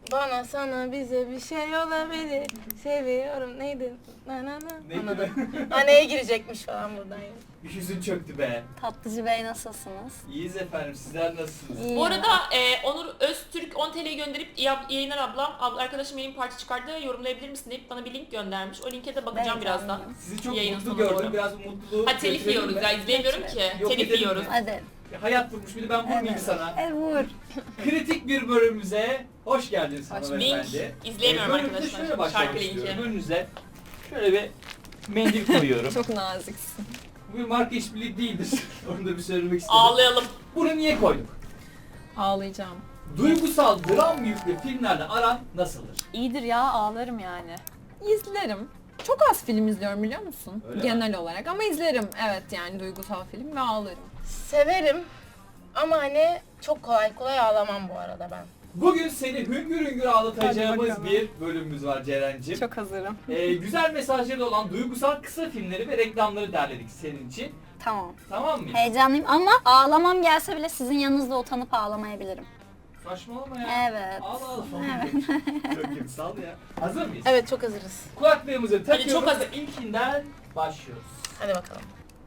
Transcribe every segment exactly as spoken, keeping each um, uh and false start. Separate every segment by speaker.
Speaker 1: Bana sana bize bir şey olabilir. Seviyorum neydi? Na na na.
Speaker 2: Neydi
Speaker 1: Anladım. Anneye girecekmiş falan buradan. Yani.
Speaker 2: Bir yüzün çöktü be.
Speaker 3: Tatlıcı Bey nasılsınız?
Speaker 2: İyiyiz efendim, sizler nasılsınız?
Speaker 3: İyi.
Speaker 4: Bu arada e, Onur Öztürk on T L'yi gönderip "İyi yayınlar ablam, abla arkadaşım yeni bir parça çıkardı, yorumlayabilir misin?" deyip bana bir link göndermiş. O linke de bakacağım
Speaker 3: Ben
Speaker 4: birazdan.
Speaker 3: canlıyım.
Speaker 2: Sizi çok
Speaker 4: Yayının
Speaker 2: mutlu
Speaker 4: sonuna
Speaker 2: gördüm.
Speaker 4: doğru.
Speaker 2: Biraz bu mutluluğu...
Speaker 4: Ha telif
Speaker 2: götürelim
Speaker 4: yiyoruz
Speaker 2: mi?
Speaker 4: ya, izleyemiyorum ki.
Speaker 2: Yok,
Speaker 4: Telif
Speaker 2: edelim
Speaker 4: yiyoruz.
Speaker 2: mi?
Speaker 3: Hadi.
Speaker 2: Hayat vurmuş, bir de ben vurmayayım sana.
Speaker 3: E vur.
Speaker 2: Kritik bir bölümümüze hoş geldiniz hanımefendi.
Speaker 4: Link izleyemiyorum
Speaker 2: Ee, bölümümüze
Speaker 4: arkadaşlar.
Speaker 2: şöyle başlamak
Speaker 4: Şarkı
Speaker 2: istiyorum.
Speaker 4: linki.
Speaker 2: Önünüze şöyle bir mendil koyuyorum.
Speaker 3: Çok naziksin.
Speaker 2: Bu bir marka işbirliği değildir. Onu da bir söylemek istedim.
Speaker 4: Ağlayalım.
Speaker 2: Bunu niye koyduk?
Speaker 5: Ağlayacağım.
Speaker 2: Duygusal dram yüklü filmlerle aran nasıldır?
Speaker 5: İyidir ya, ağlarım yani. İzlerim. Çok az film izliyorum biliyor musun?
Speaker 2: Öyle
Speaker 5: Genel olarak ama izlerim evet yani duygusal film ve ağlarım.
Speaker 1: Severim ama hani çok kolay kolay ağlamam bu arada ben.
Speaker 2: Bugün seni hüngür hüngür
Speaker 5: Hadi
Speaker 2: ağlatacağımız
Speaker 5: bakalım.
Speaker 2: bir bölümümüz var Ceren'cim.
Speaker 5: Çok hazırım.
Speaker 2: Ee, güzel mesajları olan duygusal kısa filmleri ve reklamları derledik senin için.
Speaker 3: Tamam.
Speaker 2: Tamam mı?
Speaker 3: Heyecanlıyım ama ağlamam gelse bile sizin yanınızda utanıp ağlamayabilirim.
Speaker 2: Saçmalama ya.
Speaker 3: Evet.
Speaker 2: Al al. Çok iyi, sal ya. Hazır mıyız?
Speaker 1: Evet çok hazırız.
Speaker 2: Kulaklığımızı takıyoruz
Speaker 4: çok
Speaker 2: ve
Speaker 4: hazır.
Speaker 2: ilkinden başlıyoruz.
Speaker 1: Hadi bakalım.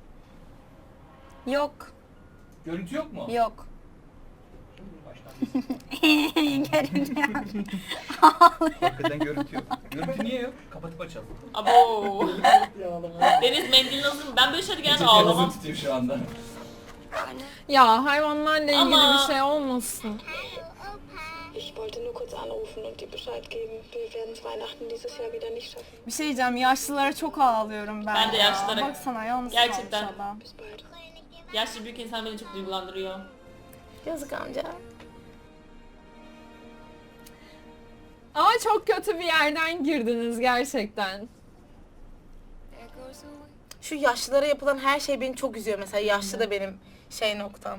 Speaker 3: Yok.
Speaker 2: Görüntü yok mu?
Speaker 3: Yok.
Speaker 2: Baştan.
Speaker 3: Görünüyor.
Speaker 2: Hakikaten görüntü yok. Görüntü niye yok? Kapatıp açalım.
Speaker 4: Abo. Deniz mendilin hazır mı? Ben böyle şeyleri genelde
Speaker 2: Peçeteyi hazır
Speaker 4: ağlamam.
Speaker 2: tutuyor şu anda.
Speaker 5: Ya hayvanlarla ilgili
Speaker 4: Ama-
Speaker 5: bir şey olmasın.
Speaker 6: Ich wollte nur kurz anrufen und dir Bescheid geben. Wir werden Weihnachten dieses Jahr wieder nicht schaffen.
Speaker 7: Bir şey diyeceğim, yaşlılara çok ağlıyorum ben.
Speaker 4: Ben de
Speaker 7: ya.
Speaker 4: yaşlılara-
Speaker 7: Baksana yalnız
Speaker 4: Gerçekten.
Speaker 7: kalmış adam.
Speaker 6: Bis bald.
Speaker 4: Yaşlı büyük insan beni çok duygulandırıyor.
Speaker 1: Yazık amca.
Speaker 5: Ama çok kötü bir yerden girdiniz gerçekten.
Speaker 1: Şu yaşlılara yapılan her şey beni çok üzüyor mesela. Yaşlı da benim şey noktam.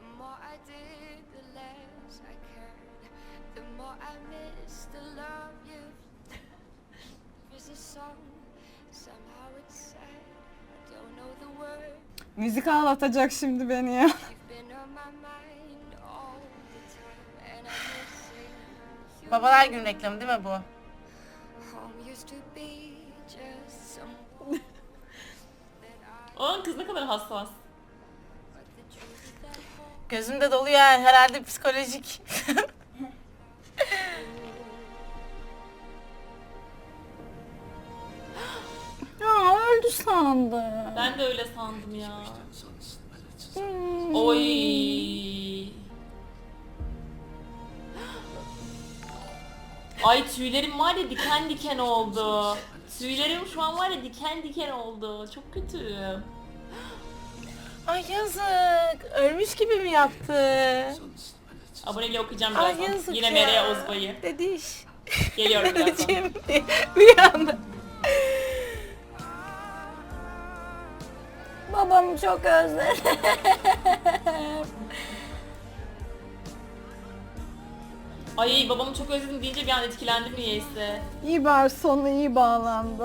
Speaker 7: Müzik ağlatacak şimdi beni ya.
Speaker 1: Babalar Günü reklamı değil mi bu?
Speaker 4: Onun kız ne kadar hassas.
Speaker 1: Gözümde doluyor yani, herhalde psikolojik.
Speaker 3: Ya öldü sandım.
Speaker 4: Ben de öyle sandım ya.
Speaker 3: Hmm.
Speaker 4: Oy. Ay tüylerim var ya diken diken oldu. Tüylerim şu an var ya diken diken oldu. Çok kötü.
Speaker 1: Ay yazık. Ölmüş gibi mi yaptı?
Speaker 4: Aboneliği okuyacağım
Speaker 1: Ay
Speaker 4: birazdan.
Speaker 1: yazık
Speaker 4: Yine
Speaker 1: ya.
Speaker 4: Meryem Ozbay'ı.
Speaker 1: Dediş.
Speaker 4: Geliyorum birazdan.
Speaker 1: Öleceğim diye bir anda.
Speaker 3: Babamı çok özledim.
Speaker 4: Ay babamı çok özledim deyince bir an etkilendim niyeyse.
Speaker 7: İyi bari sonu iyi bağlandı.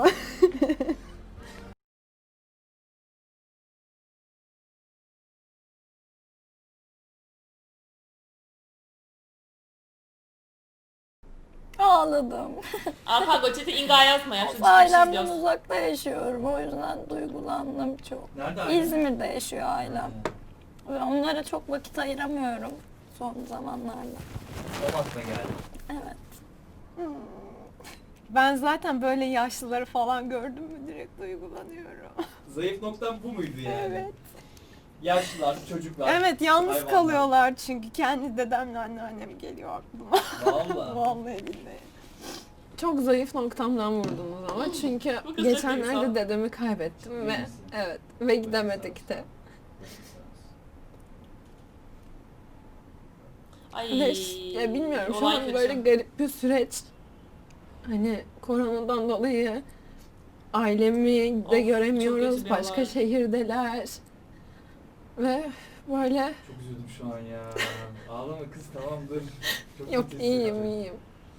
Speaker 3: Ağladım.
Speaker 4: Alpa Goçet'e inga yazma ya. Şu ciddi
Speaker 3: Ailemden
Speaker 4: bir şey diyorsun.
Speaker 3: uzakta yaşıyorum. O yüzden duygulandım çok.
Speaker 2: Nerede ailen?
Speaker 3: İzmir'de yaşıyor ailem. Ve onlara çok vakit ayıramıyorum son zamanlarda.
Speaker 2: O aklıma geldi.
Speaker 3: Evet.
Speaker 7: Ben zaten böyle yaşlıları falan gördüm mü direkt duygulanıyorum.
Speaker 2: Zayıf noktam bu muydu yani?
Speaker 7: Evet.
Speaker 2: Yaşlılar, çocuklar.
Speaker 7: Evet, yalnız
Speaker 2: hayvanlar.
Speaker 7: kalıyorlar çünkü kendi dedemle anneannem geliyor aklıma.
Speaker 2: Vallahi.
Speaker 7: Vallahi billahi.
Speaker 5: Çok zayıf noktamdan vurdunuz ama çünkü
Speaker 4: Bu kız çok
Speaker 5: geçenlerde
Speaker 4: duygusal.
Speaker 5: dedemi kaybettim
Speaker 2: İyi
Speaker 5: ve
Speaker 2: misin?
Speaker 5: evet ve gidemedik de.
Speaker 4: Ay.
Speaker 5: Ve ş- ya bilmiyorum şu
Speaker 4: olay
Speaker 5: an
Speaker 4: kötü.
Speaker 5: böyle garip bir süreç. Hani koronadan dolayı ailemi de
Speaker 4: Of,
Speaker 5: göremiyoruz.
Speaker 4: çok kötü bir
Speaker 5: Başka
Speaker 4: olay.
Speaker 5: şehirdeler. Ve böyle
Speaker 2: Çok üzüldüm şu an ya. Ağlama kız, tamam dur. Çok
Speaker 5: yok
Speaker 2: kötü
Speaker 5: iyiyim
Speaker 2: hissediyorum.
Speaker 5: iyiyim.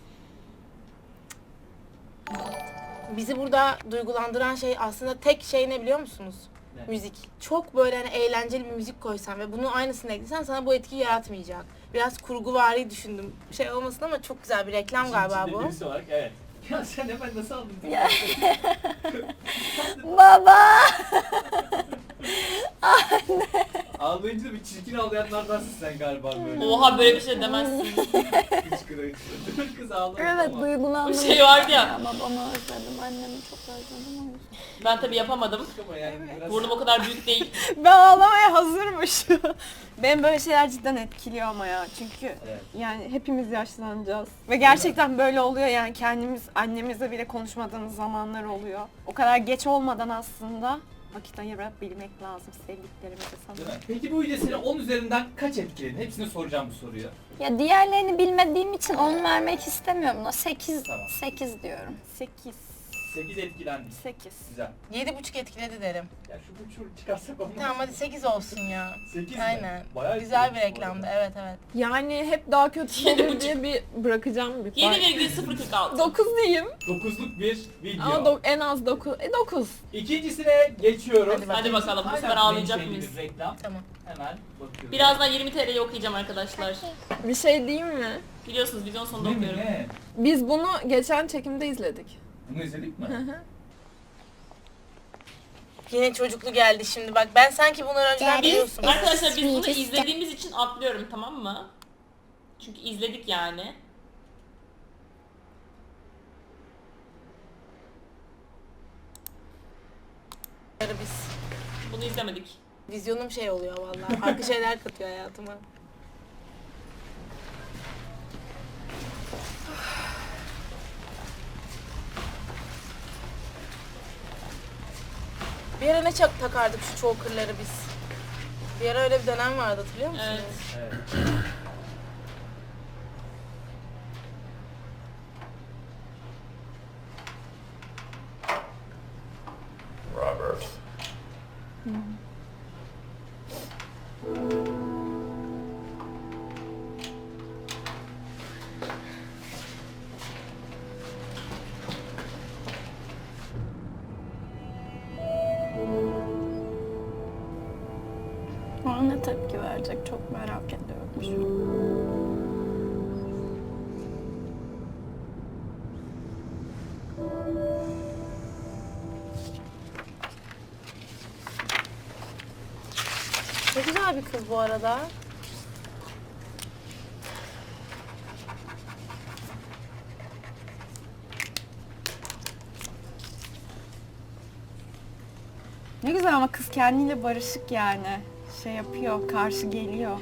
Speaker 1: Bizi burada duygulandıran şey aslında tek şey ne biliyor musunuz?
Speaker 2: Ne?
Speaker 1: Müzik. Çok böyle hani eğlenceli bir müzik koysan ve bunu aynısını eklesen sana bu etkiyi yaratmayacak. biraz kurguvari düşündüm. Şey olmasın ama çok güzel bir reklam galiba
Speaker 2: İçinde
Speaker 1: bu.
Speaker 2: birisi olarak evet. Ya sen hemen nasıl aldın?
Speaker 3: Ya. Baba!
Speaker 2: Ağlayınca da bir çirkin ağlayanlardansın sen galiba böyle.
Speaker 4: Oha böyle bir şey demezsin.
Speaker 2: Hıçkıra hıçkıra. Kız ağlamıyor
Speaker 3: Evet
Speaker 2: ama.
Speaker 3: duygulandım.
Speaker 4: Bir şey vardı ya.
Speaker 3: Ya babamı özledim, annemi çok özledim o yüzden.
Speaker 4: Ben tabii yapamadım.
Speaker 2: Ama yani biraz-
Speaker 4: Burnum o kadar büyük değil.
Speaker 5: Ben ağlamaya hazırmış. Benim böyle şeyler cidden etkiliyor ama ya. Çünkü
Speaker 2: Evet.
Speaker 5: yani hepimiz yaşlanacağız. Ve gerçekten böyle oluyor yani kendimiz annemizle bile konuşmadığımız zamanlar oluyor. O kadar geç olmadan aslında vakit ayırabilmek lazım sevdiklerimize
Speaker 2: Değil
Speaker 5: sanırım.
Speaker 2: mi? Peki bu video seni on üzerinden kaç etkiledi? Hepsine soracağım bu soruyu.
Speaker 3: Ya diğerlerini bilmediğim için on vermek istemiyorum da sekiz,
Speaker 2: Tamam.
Speaker 3: sekiz diyorum.
Speaker 5: sekiz.
Speaker 2: sekiz etkilendik.
Speaker 5: sekiz.
Speaker 2: Güzel.
Speaker 1: Yedi buçuk etkiledi derim.
Speaker 2: Ya şu buçuğu çıkarsak olmaz.
Speaker 1: Tamam hadi sekiz olsun ya.
Speaker 2: sekiz mi?
Speaker 1: Aynen.
Speaker 2: Bayağı
Speaker 1: Güzel bir
Speaker 2: etkilemiş bu
Speaker 1: reklamdı.
Speaker 2: arada.
Speaker 1: Evet evet.
Speaker 5: Yani hep daha kötü
Speaker 4: Yedi
Speaker 5: olur
Speaker 4: buçuk.
Speaker 5: diye bir bırakacağım bir
Speaker 4: yedi
Speaker 5: pay.
Speaker 4: virgül sıfır kırk altı.
Speaker 5: dokuz diyeyim.
Speaker 2: Dokuzluk bir video.
Speaker 5: Ama do- en az dokuz. E dokuz.
Speaker 2: İkincisine geçiyoruz.
Speaker 1: Hadi bakalım.
Speaker 4: Hadi bakalım bu
Speaker 2: Aynen
Speaker 4: sefer ağlayacak
Speaker 2: menşeli
Speaker 4: mıyız?
Speaker 2: bir reklam.
Speaker 1: Tamam.
Speaker 2: Hemen bakıyoruz.
Speaker 4: Birazdan yirmi T L'yi okuyacağım arkadaşlar.
Speaker 5: Bir şey diyeyim mi?
Speaker 4: Biliyorsunuz videonun sonunda
Speaker 2: Ne mi
Speaker 4: okuyorum.
Speaker 2: ne?
Speaker 5: Biz bunu geçen çekimde izledik.
Speaker 2: Bunu izledik mi?
Speaker 1: Yine çocuklu geldi şimdi bak. Ben sanki bunları önceden biliyorsun.
Speaker 4: Arkadaşlar biz bunu izlediğimiz için atlıyorum, tamam mı? Çünkü izledik yani.
Speaker 1: Biz.
Speaker 4: Bunu izlemedik.
Speaker 1: Vizyonum şey oluyor vallahi. Farklı şeyler katıyor hayatıma. Bir ara ne çok takardık şu choker'ları biz. Bir ara öyle bir dönem vardı hatırlıyor musunuz?
Speaker 4: Evet.
Speaker 2: Evet.
Speaker 8: Robert.
Speaker 3: Bana ne tepki verecek çok merak ediyorum şu an.
Speaker 1: Ne güzel bir kız bu arada.
Speaker 7: Ne güzel ama kız kendiyle barışık yani. Şey yapıyor, karşı geliyor.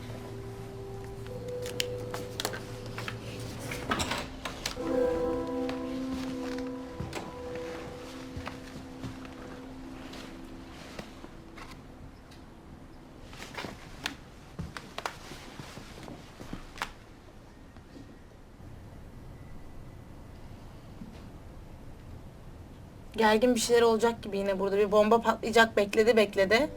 Speaker 1: Gergin bir şeyler olacak gibi yine burada. Bir bomba patlayacak bekledi bekledi.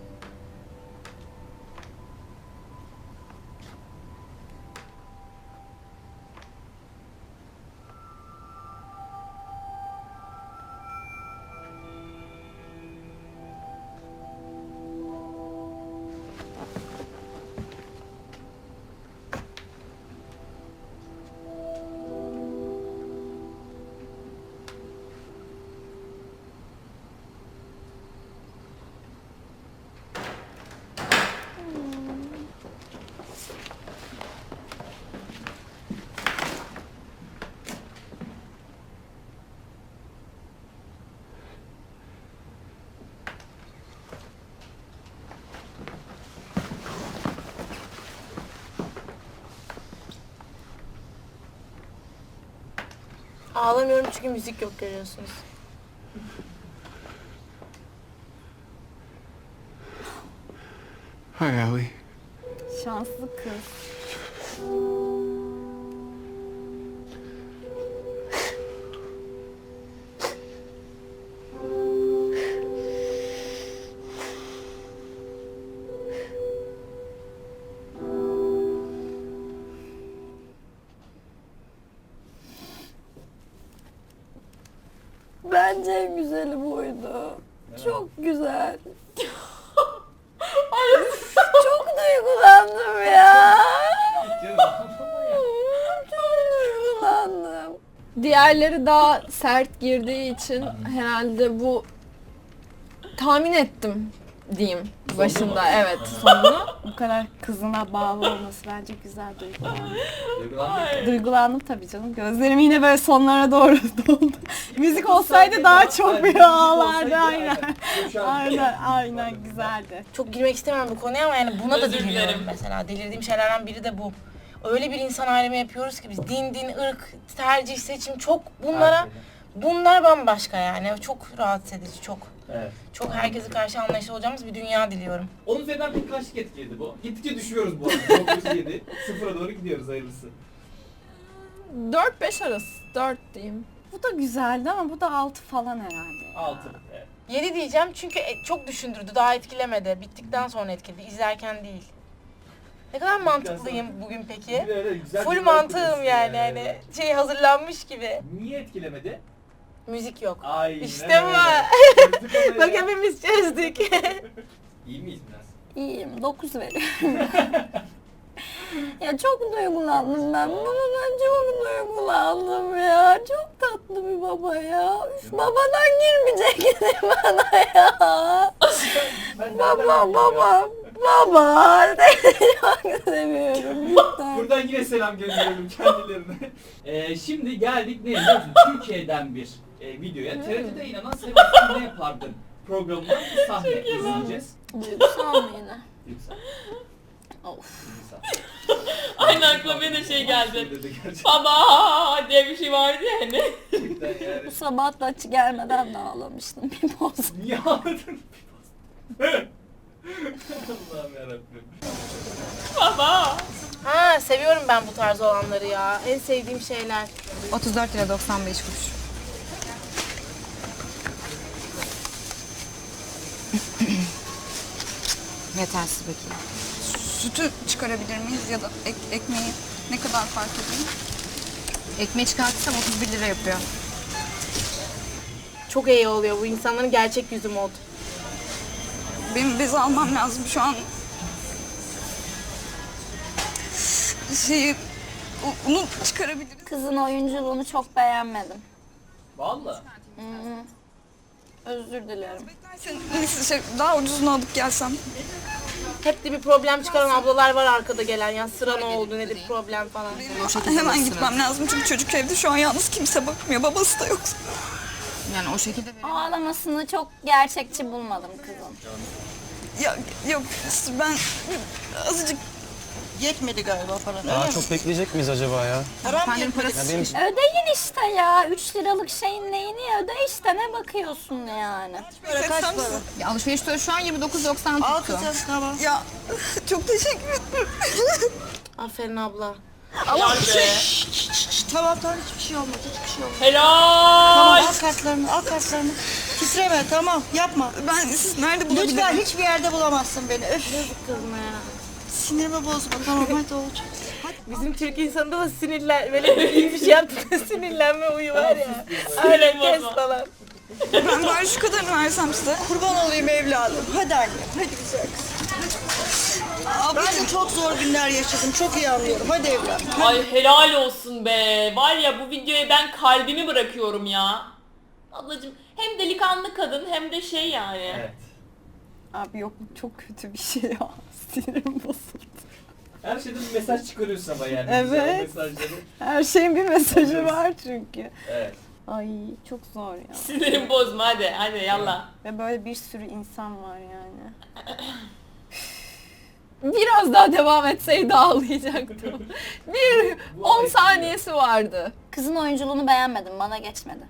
Speaker 1: Ağlamıyorum çünkü müzik yok görüyorsunuz.
Speaker 8: Hi, Allie.
Speaker 7: Şanslı kız.
Speaker 3: Bence en güzeli buydu. Çok güzel. Çok duygulandım ya.
Speaker 7: Diğerleri daha sert girdiği için herhalde bu tahmin ettim diyeyim başında. Evet, sonunu.
Speaker 5: Bu kadar kızına bağlı olması bence güzel duygulandım.
Speaker 2: Duygulandık.
Speaker 5: Duygulandım tabii canım. Gözlerim yine böyle sonlara doğru doldu. Müzik olsaydı daha çok bir ağlardı aynen. Aynen, aynen güzeldi.
Speaker 1: Çok girmek istemem bu konuya ama yani buna da
Speaker 4: Özür
Speaker 1: deliriyorum
Speaker 4: dilerim.
Speaker 1: mesela. Delirdiğim şeylerden biri de bu. Öyle bir insan ayrımı yapıyoruz ki biz din, din, ırk, tercih, seçim çok bunlara bunlar bambaşka yani. Çok rahatsız edici, çok.
Speaker 2: Evet.
Speaker 1: Çok herkese karşı anlayışlı olacağımız bir dünya diliyorum.
Speaker 2: Onun üzerinden bir kaçlık etkiledi bu? Gittikçe düşüyoruz bu arada. dokuz yedi. Sıfıra doğru gidiyoruz hayırlısı.
Speaker 7: dört beş arası. dört diyeyim.
Speaker 5: Bu da güzeldi ama bu da altı falan herhalde.
Speaker 2: altı. Evet.
Speaker 1: yedi diyeceğim çünkü e- çok düşündürdü, daha etkilemedi. Bittikten sonra etkiledi, izlerken değil. Ne kadar mantıklıyım bugün peki.
Speaker 2: Bir de öyle güzel
Speaker 1: Full
Speaker 2: bir
Speaker 1: mantığım
Speaker 2: bakıyorsun
Speaker 1: yani hani şey hazırlanmış gibi.
Speaker 2: Niye etkilemedi?
Speaker 1: Müzik yok.
Speaker 2: Ay.
Speaker 1: İşte bu. Bak hepimiz çözdük.
Speaker 2: İyi miyiz biraz?
Speaker 3: İyiyim, dokuz veriyorum. Ya çok duygulandım ben. Babadan çok duygulandım ya. Çok tatlı bir baba ya. Üf, babadan girmeyecekti bana ya.
Speaker 2: Ben
Speaker 3: Baba, baba, baba. Seni çok seviyorum. Lütfen.
Speaker 2: Buradan yine selam gönderiyorum kendilerine. Ee, şimdi geldik ne biliyor musun? Türkiye'den bir e, videoya. T R T'de inanan Sebastian ne yapardın programından bir sahne izleyeceğiz.
Speaker 3: Duygusal mı yine?
Speaker 2: Yüksel.
Speaker 3: Of.
Speaker 2: Yüksel.
Speaker 4: Aynı aklıma benim de şey geldi.
Speaker 2: Dedi gerçekten.
Speaker 4: Baba diye bir şey vardı ya hani.
Speaker 2: yani.
Speaker 3: Bu sabah da açı gelmeden de ağlamıştım bir poz.
Speaker 2: Niye ağladın? Allah'ım yarabbim.
Speaker 4: Baba.
Speaker 1: Ha seviyorum ben bu tarz olanları ya. En sevdiğim şeyler.
Speaker 8: otuz dört lira doksan beş kuruş. Yetersiz bakayım. Sütü çıkarabilir miyiz ya da ek, ekmeği ne kadar fark ediyor? Ekmeği çıkartırsam otuz bir lira yapıyor.
Speaker 1: Çok iyi oluyor bu insanların gerçek yüzü mod.
Speaker 8: Benim bezi almam lazım şu an. Şeyi, u- unu çıkarabiliriz.
Speaker 3: Kızın oyunculuğunu çok beğenmedim.
Speaker 2: Vallahi.
Speaker 3: Özür dilerim.
Speaker 8: Sen, neyse şey, daha ucuzunu alıp gelsem.
Speaker 1: Hep de bir problem çıkaran ablalar var arkada gelen ya. Sıra ne oldu nedir problem falan.
Speaker 8: Benim hemen gitmem lazım çünkü çocuk evde şu an yalnız, kimse bakmıyor, babası da yok. Yani o şekilde
Speaker 3: Ağlamasını çok gerçekçi bulmadım kızın.
Speaker 8: ya yok ben azıcık
Speaker 9: Yetmedi galiba paran.
Speaker 10: Daha çok bekleyecek miyiz acaba ya?
Speaker 8: efendim parası.
Speaker 10: Ya benim
Speaker 3: Ödeyin işte ya. üç liralık şeyin neyini öde işte, ne bakıyorsun yani.
Speaker 9: Para kaç para?
Speaker 8: Ya alışveriş tutarı şu an yirmi dokuz doksan
Speaker 9: Al
Speaker 8: tuttu.
Speaker 9: kızım tamam.
Speaker 8: Ya çok teşekkür ederim.
Speaker 1: Aferin abla.
Speaker 4: Helal be.
Speaker 9: Tamam tamam hiçbir şey olmaz hiçbir şey olmaz.
Speaker 4: Helal.
Speaker 9: Al kartlarını al kartlarını. Titreme tamam yapma.
Speaker 8: Ben siz nerede bulabilirim?
Speaker 9: Lütfen hiçbir yerde bulamazsın beni. Öf.
Speaker 1: Kızma ya.
Speaker 9: Sinirimi bozma tamam hadi olacak.
Speaker 1: Bizim Türk insanında da sinirlen, böyle iyi bir şey yaptığında sinirlenme huyu var ya. Öyle kes falan.
Speaker 8: Ben bari şu kadarını versem size.
Speaker 9: Kurban olayım evladım. Hadi annem hadi güzel kız. Ben de çok zor günler yaşadım. Çok iyi anlıyorum. Hadi evladım.
Speaker 4: Ay helal olsun be. Var ya bu videoya ben kalbimi bırakıyorum ya. Ablacığım hem delikanlı kadın hem de şey yani.
Speaker 2: Evet.
Speaker 5: Abi yok çok kötü bir şey ya. Sinirim bozuldu.
Speaker 2: Her şeyden bir mesaj çıkarıyorsun ama yani.
Speaker 5: Evet.
Speaker 2: Güzel mesajları.
Speaker 5: Her şeyin bir mesajı var çünkü.
Speaker 2: Evet.
Speaker 5: Ay çok zor ya.
Speaker 4: Sinirimi bozma hadi. Hadi yallah.
Speaker 5: Ve böyle bir sürü insan var yani.
Speaker 7: Biraz daha devam etseydi ağlayacaktım. Bir
Speaker 2: Bu
Speaker 7: on
Speaker 2: etkiliyor.
Speaker 7: saniyesi vardı.
Speaker 3: Kızın oyunculuğunu beğenmedim, bana geçmedi.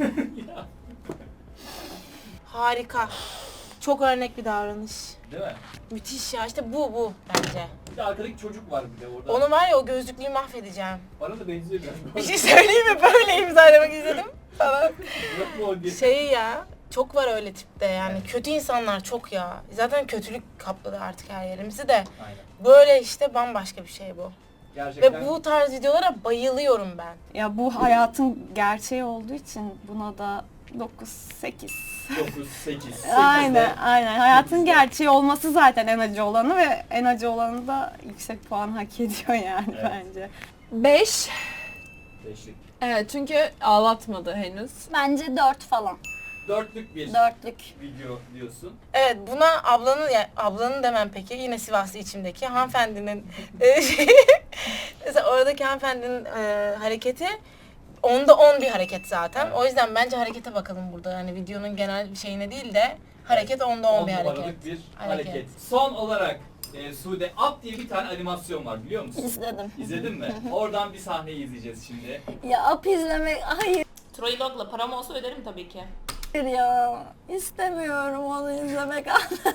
Speaker 1: Harika. Çok örnek bir davranış.
Speaker 2: Değil mi?
Speaker 1: Müthiş ya, işte bu bu bence.
Speaker 2: Bir de arkadaki çocuk var bir de orada.
Speaker 1: Onu var ya, o gözlüklüyü mahvedeceğim.
Speaker 2: Bana da benziyor biraz.
Speaker 1: Bir şey söyleyeyim mi? Böyle imzalamak istedim falan.
Speaker 2: Yok mu o diye.
Speaker 1: Şey ya, çok var öyle tipte yani. Kötü insanlar çok ya. Zaten kötülük kapladı artık her yerimizi de.
Speaker 2: Aynen.
Speaker 1: Böyle işte bambaşka bir şey bu.
Speaker 2: Gerçekten.
Speaker 1: Ve bu tarz videolara bayılıyorum ben.
Speaker 5: Ya bu hayatın gerçeği olduğu için buna da dokuz sekiz.
Speaker 2: dokuz, sekiz.
Speaker 5: Aynen aynen. Hayatın gerçeği olması zaten en acı olanı ve en acı olanı da yüksek puan hak ediyor yani
Speaker 2: Evet.
Speaker 5: bence.
Speaker 7: beş.
Speaker 2: beş beşlik.
Speaker 7: Evet çünkü ağlatmadı henüz.
Speaker 3: Bence dört falan.
Speaker 2: Dörtlük bir
Speaker 3: Dörtlük.
Speaker 2: video diyorsun.
Speaker 1: Evet, buna ablanın, yani ablanın demem peki, yine Sivaslı içimdeki hanımefendinin e, şey, mesela oradaki hanımefendinin e, hareketi onda on bir hareket zaten.
Speaker 2: Evet.
Speaker 1: O yüzden bence harekete bakalım burada. Yani videonun genel şeyine değil de hareket onda on bir hareket.
Speaker 2: numaralık bir
Speaker 1: Hareket.
Speaker 2: hareket. Son olarak e, Sude Up diye bir tane animasyon var biliyor musun?
Speaker 3: İzledim.
Speaker 2: İzledin mi? Oradan bir sahneyi izleyeceğiz şimdi.
Speaker 3: Ya ap izlemek, hayır
Speaker 4: Troy Dog'la param olsa öderim tabii ki.
Speaker 3: ya. İstemiyorum onu izlemek.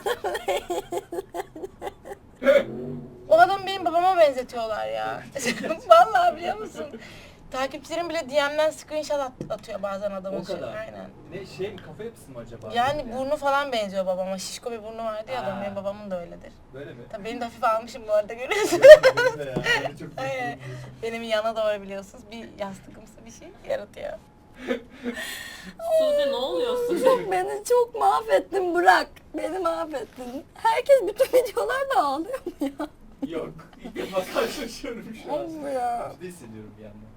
Speaker 1: O adamı benim babama benzetiyorlar ya. Vallahi biliyor musun? Takipçilerim bile D M'den screenshot at- atıyor bazen adamın.
Speaker 2: O kadar.
Speaker 1: Aynen.
Speaker 2: Ne şey mi, kafa yapısı mı acaba?
Speaker 1: Yani burnu falan benziyor babama. Şişko bir burnu vardı ya
Speaker 2: Ha.
Speaker 1: adamın. Benim babamın da öyledir.
Speaker 2: Böyle mi?
Speaker 1: Tabii benim de hafif almışım bu arada, görüyorsun.
Speaker 2: Benim de ya. Beni çok
Speaker 1: Aynen. Benim yana doğru biliyorsunuz bir yastıkımsı bir şey yaratıyor.
Speaker 4: Sude ne oluyorsun?
Speaker 3: Çok beni çok mahvettin, bırak. Beni mahvettin. Herkes bütün videolarda ağlıyor mu ya?
Speaker 2: Yok. İlk defa karşılaşıyorum şu an.
Speaker 3: Of ya.
Speaker 2: Kötü hissediyorum bir yandan.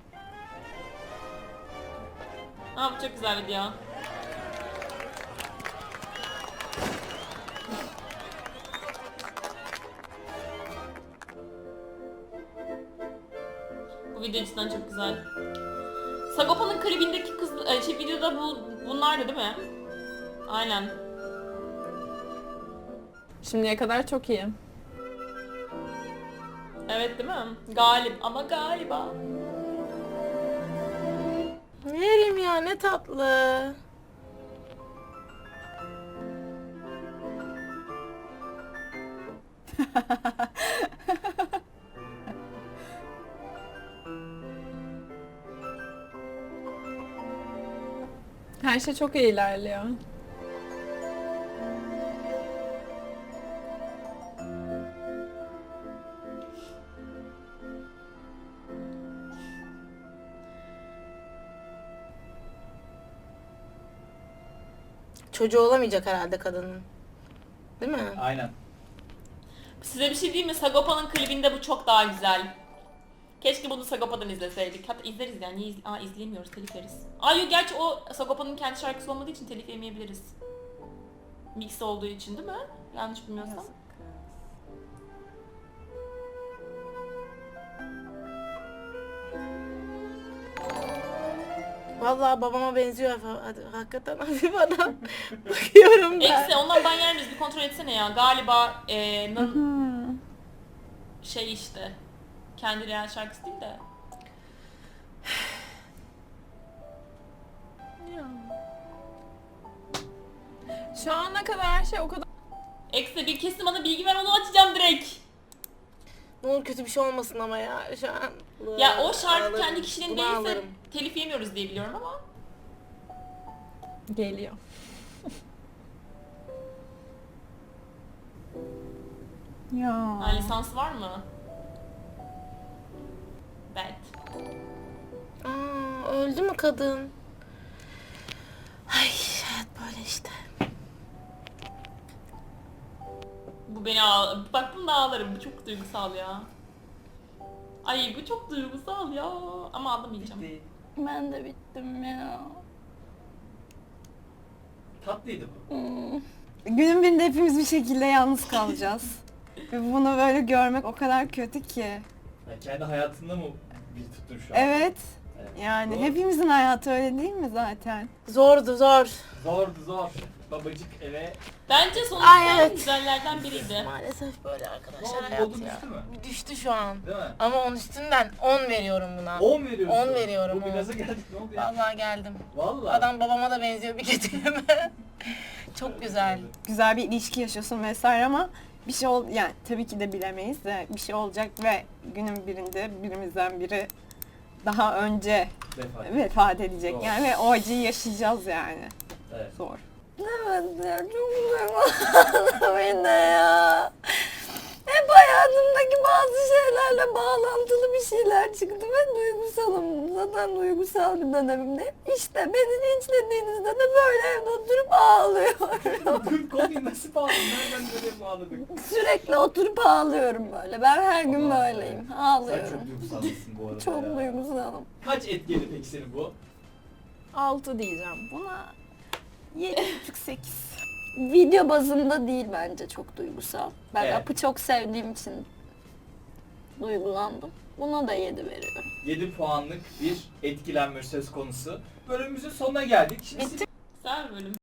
Speaker 4: Aa bu çok güzel video. Bu video cidden çok güzel. Sagopa'nın klibindeki kız, e, şey videoda bu bunlardı değil mi? Aynen.
Speaker 7: Şimdiye kadar çok iyi.
Speaker 4: Evet değil mi? Galip ama galiba.
Speaker 1: Yerim ya, ne tatlı.
Speaker 7: Her şey çok iyi ilerliyor.
Speaker 1: Çocuğu olamayacak herhalde kadının. Değil mi?
Speaker 2: Aynen.
Speaker 4: Size bir şey diyeyim mi? Sagopa'nın klibinde bu çok daha güzel. Keşke bunu Sagopa'dan izleseydik. Hatta izleriz yani. Niye iz- Aa izleyemiyoruz, telif yeriz. Aa yok, gerçi o Sagopa'nın kendi şarkısı olmadığı için telif yemeyebiliriz. Mix olduğu için değil mi? Yanlış bilmiyorsam.
Speaker 1: Vallahi babama benziyor ha- hadi, hakikaten hafif adam. Bakıyorum ben.
Speaker 4: Eksi ondan ben yer miyiz? Bir kontrol etsene ya. Galiba e, nan- şey işte. Kendi real şarkısı değil de.
Speaker 7: Şu ana kadar her şey o kadar...
Speaker 4: Eksi bir kesin bana bilgi ver, onu açacağım direkt.
Speaker 1: Ne olur kötü bir şey olmasın ama ya şu an.
Speaker 4: Ya o şarkı
Speaker 1: Ağlarım.
Speaker 4: kendi kişinin
Speaker 1: Bunu
Speaker 4: değilse
Speaker 1: ağlarım.
Speaker 4: telif yemiyoruz diye biliyorum ama.
Speaker 7: Geliyor. Ya.
Speaker 4: Ha, lisansı var mı? Evet.
Speaker 1: Aa, öldü mü kadın? Ay hayat böyle işte.
Speaker 4: Bu beni ağ... Bak bunu da ağlarım. Bu çok duygusal ya. Ay bu çok duygusal ya. Ama ağlamayacağım.
Speaker 2: Bitti.
Speaker 3: Ben de bittim ya.
Speaker 2: Tatlıydı bu.
Speaker 5: Günün birinde hepimiz bir şekilde yalnız kalacağız. Ve bunu böyle görmek o kadar kötü ki.
Speaker 2: Ya kendi hayatında mı bir tuttun şu an?
Speaker 5: Evet.
Speaker 2: Evet.
Speaker 5: Yani
Speaker 2: Doğru.
Speaker 5: hepimizin hayatı öyle değil mi zaten?
Speaker 1: Zordu zor.
Speaker 2: Zordu zor. Babacık eve...
Speaker 4: Bence sonuçta
Speaker 1: Ay,
Speaker 4: en
Speaker 1: evet.
Speaker 4: güzellerden biriydi.
Speaker 1: Maalesef böyle
Speaker 2: Ne
Speaker 1: arkadaşlar
Speaker 2: oldu?
Speaker 1: hayat
Speaker 2: Modun
Speaker 1: ya.
Speaker 2: düştü mü?
Speaker 1: Düştü şu an.
Speaker 2: Değil mi?
Speaker 1: Ama onun üstünden on veriyorum buna.
Speaker 2: on veriyorsun.
Speaker 1: on veriyorum,
Speaker 2: Bu
Speaker 1: on.
Speaker 2: gaza geldik, ne oldu ya?
Speaker 1: Vallahi geldim.
Speaker 2: Vallahi.
Speaker 1: Adam babama da benziyor bir kötüyeme. Çok güzel.
Speaker 5: Güzel bir ilişki yaşıyorsun vesaire ama bir şey ol yani tabii ki de bilemeyiz de bir şey olacak ve günün birinde birimizden biri daha önce
Speaker 2: Vefat.
Speaker 5: vefat edecek
Speaker 2: Doğru.
Speaker 5: yani ve o acıyı yaşayacağız yani.
Speaker 2: Evet.
Speaker 5: Zor.
Speaker 3: Evet ya, çok duygulandım yine ya. Hep hayat hayatımdaki bazı şeylerle bağlantılı bir şeyler çıktı ve duygusalım. Zaten duygusal bir dönemimde. İşte beni linçlediğinizde de böyle evde oturup ağlıyorum.
Speaker 2: Konuyu nasıl bağladın? Nereden nereye bağladık?
Speaker 3: Sürekli oturup ağlıyorum böyle. Ben her gün
Speaker 2: Allah
Speaker 3: böyleyim.
Speaker 2: Sen
Speaker 3: Ağlıyorum.
Speaker 2: çok duygusallısın bu arada
Speaker 3: Çok
Speaker 2: ya.
Speaker 3: duygusalım.
Speaker 2: Kaç etkiledi peki seni bu?
Speaker 5: Altı diyeceğim. Buna yedi buçuk sekiz.
Speaker 3: Video bazında değil bence çok duygusal. Ben
Speaker 2: Evet.
Speaker 3: Apı çok sevdiğim için duygulandım. Buna da yedi veriyorum.
Speaker 2: yedi puanlık bir etkilenme söz konusu. Bölümümüzün sonuna geldik. Şimdi siz
Speaker 4: Güzel bir bölüm.